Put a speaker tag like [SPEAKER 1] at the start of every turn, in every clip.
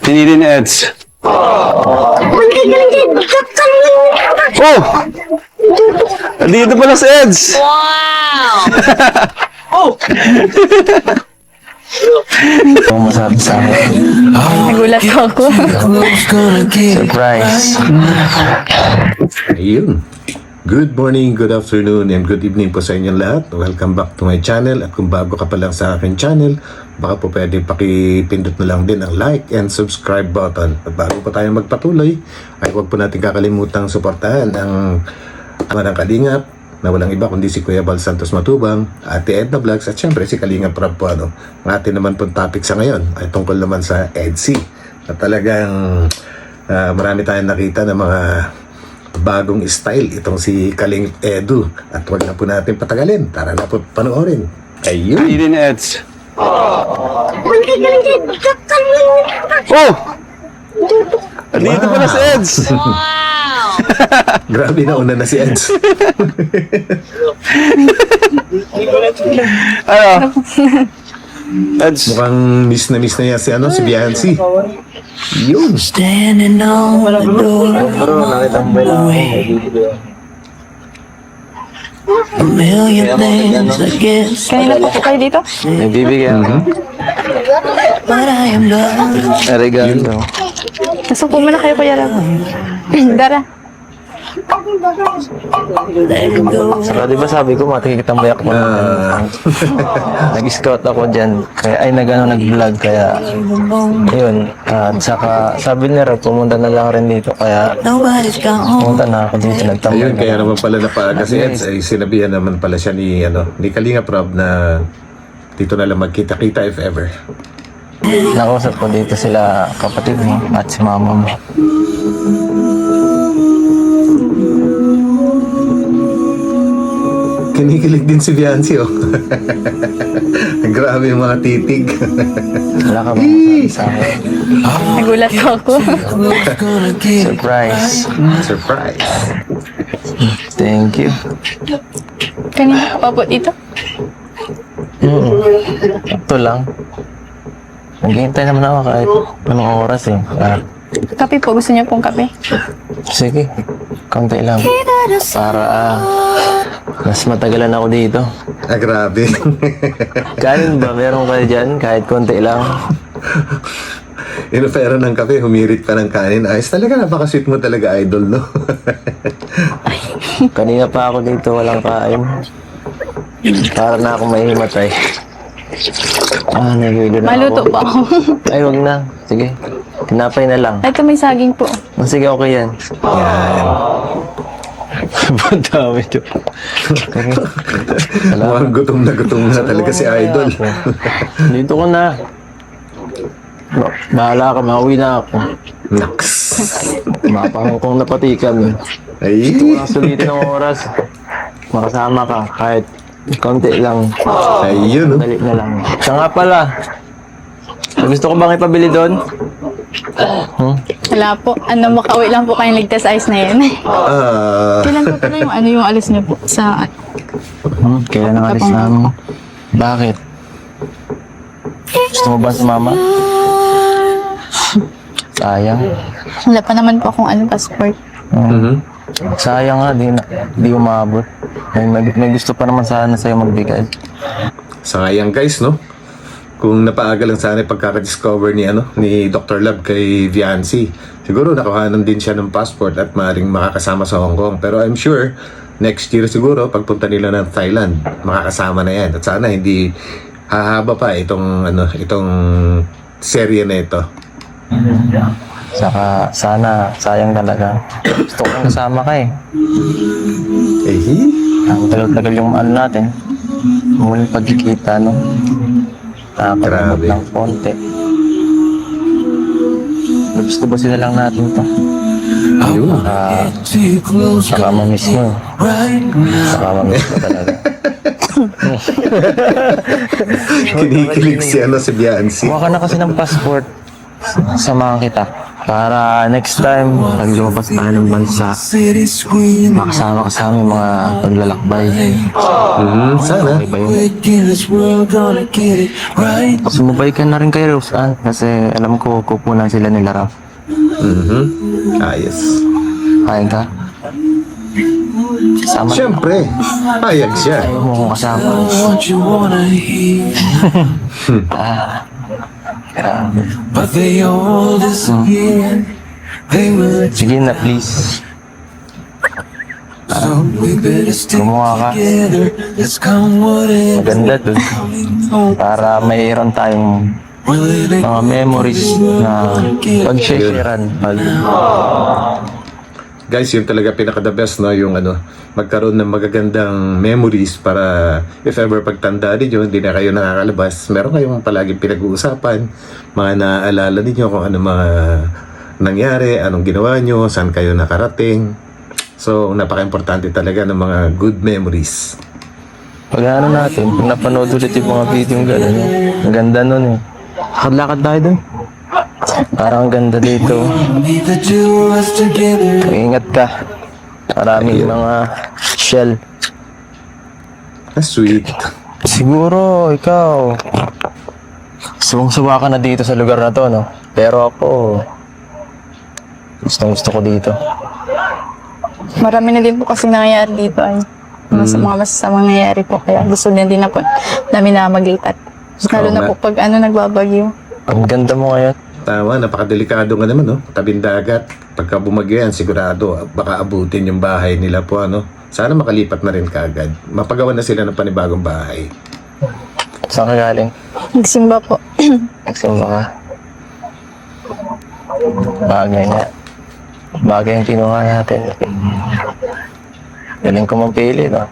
[SPEAKER 1] Pinili ni Eds. Oh! Dito pala si Eds!
[SPEAKER 2] Wow!
[SPEAKER 3] Ano masabi sa akin?
[SPEAKER 2] Nagulat ako.
[SPEAKER 3] Surprise.
[SPEAKER 4] Ayun. Good morning, good afternoon, and good evening po sa inyong lahat. Welcome back to my channel. At kung bago ka pa lang sa aking channel, baka po pwede pakipindot na lang din ang like and subscribe button. At bago pa tayo magpatuloy, ay huwag po natin kakalimutang suportahan ang ama ng Kalingap, na walang iba kundi si Kuya Bal Santos Matubang, Ate Edna Vlogs, at syempre si Kalingap Prab po. Ang atin naman pong topic sa ngayon ay tungkol naman sa EDSI. At talagang marami tayong nakita ng mga bagong style itong si Kaling Edu. At huwag na po natin patagalin. Tara na po panoorin. Ayun.
[SPEAKER 1] Pinili ni Eds. Oh! Dito pala si Eds!
[SPEAKER 2] Wow!
[SPEAKER 4] Grabe na una na si Eds.
[SPEAKER 1] Ano? Eds.
[SPEAKER 4] Mukhang miss na niya si si Biancy. Yun.
[SPEAKER 3] Standing on the door of my way. A million things I guess,
[SPEAKER 2] Kanina po kayo dito?
[SPEAKER 3] nagbibigyan ko. But I am done. Regalo.
[SPEAKER 2] Nasuko mo na kayo, Kuya Rab. Dara.
[SPEAKER 3] Let it go.
[SPEAKER 5] Saka di ba sabi ko, matikitambay ako nag-scout ako dyan, kaya nag-vlog, kaya yun, at saka sabi nila pumunta na lang rin dito, kaya
[SPEAKER 3] Nobody's gone.
[SPEAKER 5] pumunta na ako dito, nagtambay
[SPEAKER 4] Ayun,
[SPEAKER 5] na.
[SPEAKER 4] kaya naman pala napaaga si Eds ay sinabihan naman pala siya ni Kalinga Prab na dito na lang magkita-kita if ever.
[SPEAKER 5] Nakausap ko dito sila kapatid mo at si mama mo.
[SPEAKER 4] Kinikilig din si Biancy, oh. Grabe yung mga titig.
[SPEAKER 5] Wala ka bang masabi sa akin?
[SPEAKER 2] Nagulat ako.
[SPEAKER 5] Surprise.
[SPEAKER 4] Surprise.
[SPEAKER 5] Thank you.
[SPEAKER 2] Kanina pa po dito?
[SPEAKER 5] Ito lang. Naghihintay naman ako kahit anong oras eh.
[SPEAKER 2] Kape po. Gusto niyo pong kape?
[SPEAKER 5] Sige, konti lang. Para mas matagalan ako dito.
[SPEAKER 4] Ah, grabe.
[SPEAKER 5] Kanin ba? Meron kayo dyan? Kahit konti lang.
[SPEAKER 4] Inofera ng kape, humirit pa ng kanin. Ayos talaga, napaka-sweet mo talaga, idol, no?
[SPEAKER 5] Kanina pa ako dito, walang kain. Para na ako mahimatay. Nagwilo na
[SPEAKER 2] Maluto
[SPEAKER 5] ako.
[SPEAKER 2] po ako.
[SPEAKER 5] Ay, wag na. Sige. Tinapay na lang.
[SPEAKER 2] Ito may saging po.
[SPEAKER 5] Sige, okay yan.
[SPEAKER 4] Yan.
[SPEAKER 5] Ba't dami ito?
[SPEAKER 4] Mukhang gutom na talaga si idol.
[SPEAKER 5] Dito ko na. Bahala ka, mauwi na ako.
[SPEAKER 4] Naks.
[SPEAKER 5] Mapangkong napatikan.
[SPEAKER 4] Ay.
[SPEAKER 5] Walang sulitin ng oras. Makasama ka kahit konti lang.
[SPEAKER 4] Ayun, no?
[SPEAKER 5] Dali na lang. Siya nga pala. Gusto ko bang ipabili doon?
[SPEAKER 2] Wala po. Makauwi lang po kayong ligtas ice na yan. Kailan po pala yung alis niyo po sa...
[SPEAKER 5] Kailan ang alis namin? Bakit? Gusto mo ba sumama? Sayang.
[SPEAKER 2] Wala pa naman po akong passport.
[SPEAKER 5] Sayang nga, di umabot. May gusto pa naman sana sa'yo magbigay.
[SPEAKER 4] Sayang, guys, no? Kung napaaga lang sana yung pagkaka-discover ni Dr. Love kay Viancy, siguro nakahanan din siya ng passport at maaaring makakasama sa Hong Kong. Pero I'm sure, next year siguro, pagpunta nila ng Thailand, makakasama na yan. At sana hindi hahaba pa itong serye na ito.
[SPEAKER 5] Saka sana, sayang talaga. Gusto ko kasama ka eh. Ang tagal-tagal yung natin. Muling pagkikita, no? Nakakamot
[SPEAKER 4] Grabe.
[SPEAKER 5] ng konti. Gusto ba sila lang natin to?
[SPEAKER 4] Ayun.
[SPEAKER 5] Saka mamiss mo. Saka mamiss mo talaga.
[SPEAKER 4] Kinikilig si Biancy.
[SPEAKER 5] Kuha ka na kasi ng passport. Samahan kita. Para next time, pag lumabas tayo ng bansa, makasama ka sa aming mga paglalakbay.
[SPEAKER 4] Sana.
[SPEAKER 5] Okay ba yun? Sumubay ka na rin kay Rose Ann kasi alam ko kupunan sila nila Raf.
[SPEAKER 4] Ayos.
[SPEAKER 5] Kain ka? Kasama ka?
[SPEAKER 4] Siyempre, payag siya.
[SPEAKER 5] Ayaw mo kong kasama. Grabe. Sige na, please. Gumawa ka. Maganda dun. Para mayroon tayong mga memories na pag-sharean.
[SPEAKER 4] Guys, yun talaga pinaka-the best, no? Yung magkaroon ng magagandang memories para if ever pagtanda ninyo, hindi na kayo nakakalabas, meron kayong palaging pinag-uusapan, mga naaalala ninyo kung ano mga nangyari, anong ginawa nyo, saan kayo nakarating. So, napaka-importante talaga ng mga good memories.
[SPEAKER 5] Pag natin, pag napanood ulit yung mga video yung gano'n, ang ganda nun eh. Lakad-lakad tayo dun. Parang ang ganda dito. Ingat ka. Maraming mga shell.
[SPEAKER 4] Sweet.
[SPEAKER 5] Siguro, ikaw, suwang-suwa ka na dito sa lugar na to, no? Pero ako, gusto ko dito.
[SPEAKER 2] Marami na din po kasi nangyayari dito ay mga masasamang nangyayari po. Kaya gusto niya din na po namin na maglipat. Lalo na po pag nagbabagyo.
[SPEAKER 5] Ang ganda mo ngayon.
[SPEAKER 4] Tama, napakadelikado nga naman, no? Tabing dagat. Pagka bumagyo yan, sigurado, baka abutin yung bahay nila po, Sana makalipat na rin kaagad. Mapagawa na sila ng panibagong bahay.
[SPEAKER 5] Saan ka galing?
[SPEAKER 2] Nagsimba po.
[SPEAKER 5] Nagsimba ka? Bagay nga. Bagay yung kinuha natin. Galing ko mapili, no?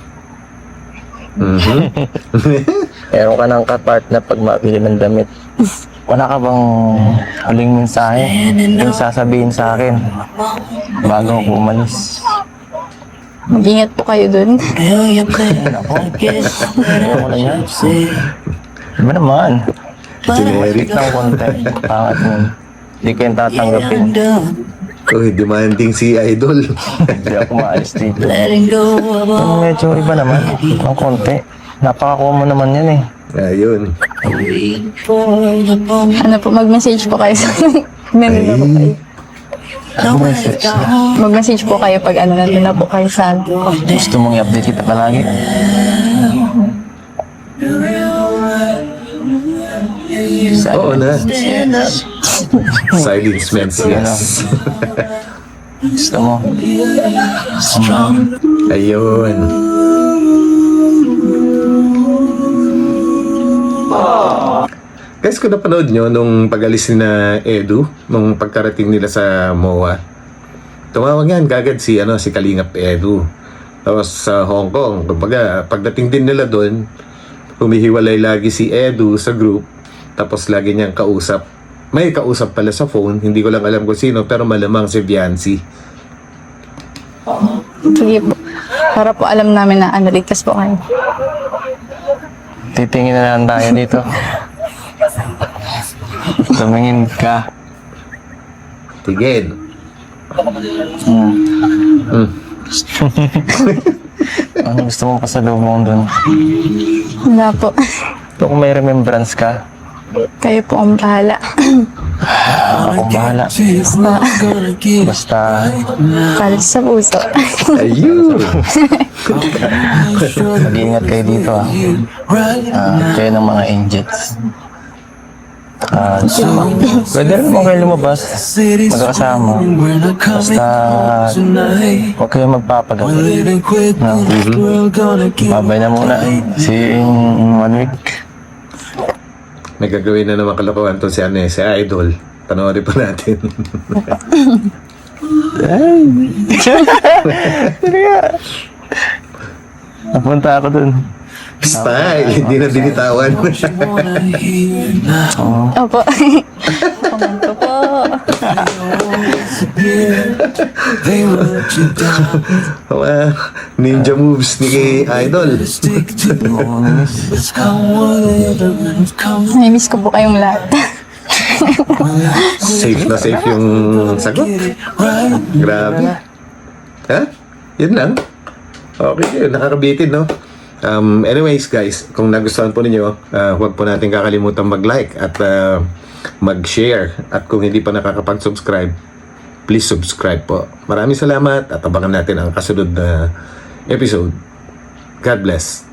[SPEAKER 5] Meron ka ng kapart na pag mabili ng damit. Wala ka bang huling mensahe yung sasabihin sa akin bago ako umalis?
[SPEAKER 2] Mag-ingat po kayo dun.
[SPEAKER 5] Ayaw ko na yan. Diba naman?
[SPEAKER 4] Generic.
[SPEAKER 5] Lang konti. Pangat nun. Hindi ko yung tatanggapin.
[SPEAKER 4] Uy, demanding si Idol.
[SPEAKER 5] Hindi ako maalis dito. Medyo iba naman. Ang konti. Napaka-common naman yan eh.
[SPEAKER 4] Ayun.
[SPEAKER 2] Mag-message po kayo sa nandun na po kayo. Mag-message po kayo pag nandun na po kayo sa
[SPEAKER 5] Gusto mong i-update kita palagi?
[SPEAKER 4] Oo na. Silence means yes.
[SPEAKER 5] Gusto mo?
[SPEAKER 4] Ayun. Guys, kung napanood nyo nung pag-alis ni na Edu, nung pagkarating nila sa MOA, tumawag yan kagad si Kalingap Edu. Tapos sa Hong Kong, kumbaga, pagdating din nila doon, humihiwalay lagi si Edu sa group, tapos lagi niyang kausap. May kausap pala sa phone, hindi ko lang alam kung sino, pero malamang si Viancy.
[SPEAKER 2] Sige po. Para po alam namin na ligtas po kayo.
[SPEAKER 5] Titingin na lang tayo dito. Tumingin ka.
[SPEAKER 4] Tigil.
[SPEAKER 5] Ano gusto mong pasalubong doon?
[SPEAKER 2] Wala po.
[SPEAKER 5] Kung may remembrance ka,
[SPEAKER 2] Kayo po ang bahala.
[SPEAKER 5] akong bahala. Basta
[SPEAKER 2] Kalit sa puso.
[SPEAKER 4] Ayun.
[SPEAKER 5] mag-iingat kayo dito kayo ng mga angels. Pwede rin mo kayo lumabas, magkakasama. Basta huwag kayo magpapagat. Babay na muna. See you in 1 week.
[SPEAKER 4] May gagawin na naman kalokohan to si Idol. Panoorin pa natin.
[SPEAKER 5] Napunta ako dun.
[SPEAKER 4] Style, hindi na binitawan.
[SPEAKER 2] Opo. Komento po.
[SPEAKER 4] Ninja moves ni Idol.
[SPEAKER 2] Namiss ko po kayong lahat.
[SPEAKER 4] Safe na safe yung sagot. Grabe. Ha? Yun lang. Okay, nakakabitin, no? Anyways, guys, kung nagustuhan po ninyo, huwag po natin kakalimutan mag-like at mag-share. At kung hindi pa nakakapag-subscribe, please subscribe po. Maraming salamat at abangan natin ang kasunod na episode. God bless.